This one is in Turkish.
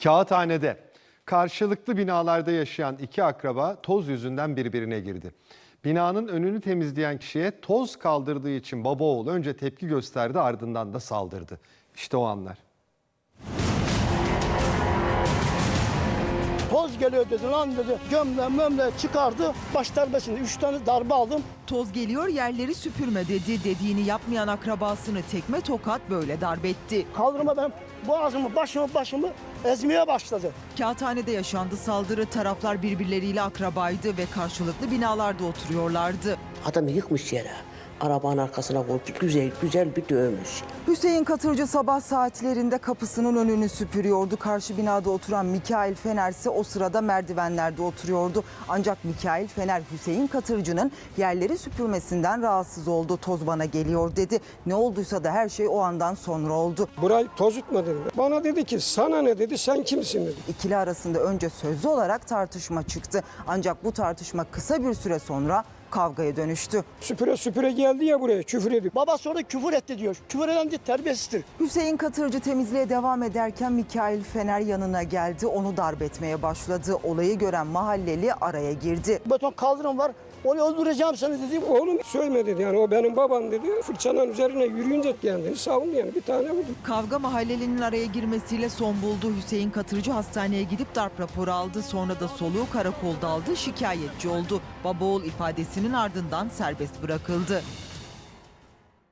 Kağıthane'de karşılıklı binalarda yaşayan iki akraba toz yüzünden birbirine girdi. Binanın önünü temizleyen kişiye toz kaldırdığı için baba oğul önce tepki gösterdi, ardından da saldırdı. İşte o anlar. Toz geliyor dedi, lan dedi, gömle çıkardı, baş darbesinde 3 tane darbe aldım. Toz geliyor, yerleri süpürme dedi. Dediğini yapmayan akrabasını tekme tokat böyle darp etti. Kaldırma benim boğazımı, başımı ezmeye başladı. Kağıthane'de yaşandı saldırı. Taraflar birbirleriyle akrabaydı ve karşılıklı binalarda oturuyorlardı. Adamı yıkmış yere. Arabanın arkasına koyup güzel bir dövmüş. Hüseyin Katırcı sabah saatlerinde kapısının önünü süpürüyordu. Karşı binada oturan Mikail Fener ise o sırada merdivenlerde oturuyordu. Ancak Mikail Fener Hüseyin Katırcı'nın yerleri süpürmesinden rahatsız oldu. Toz bana geliyor dedi. Ne olduysa da her şey o andan sonra oldu. Burayı tozutma dedi. Bana dedi ki sana ne dedi, sen kimsin dedi. İkili arasında önce sözlü olarak tartışma çıktı. Ancak bu tartışma kısa bir süre sonra kavgaya dönüştü. Süpüre geldi ya buraya, küfür ediyor. Baba sonra küfür etti diyor. Küfür eden de terbiyesizdir. Hüseyin Katırcı temizliğe devam ederken Mikail Fener yanına geldi. Onu darp etmeye başladı. Olayı gören mahalleli araya girdi. Beton kaldırım var, onu öldüreceğim seni dedi. Oğlum söyleme dedi, yani o benim babam dedi. Fırçanın üzerine yürüyünce kendini savundu, yani bir tane vurdu. Kavga mahallelinin araya girmesiyle son buldu. Hüseyin Katırcı hastaneye gidip darp raporu aldı. Sonra da soluğu karakolda aldı, şikayetçi oldu. Baba oğul ifadesinin ardından serbest bırakıldı.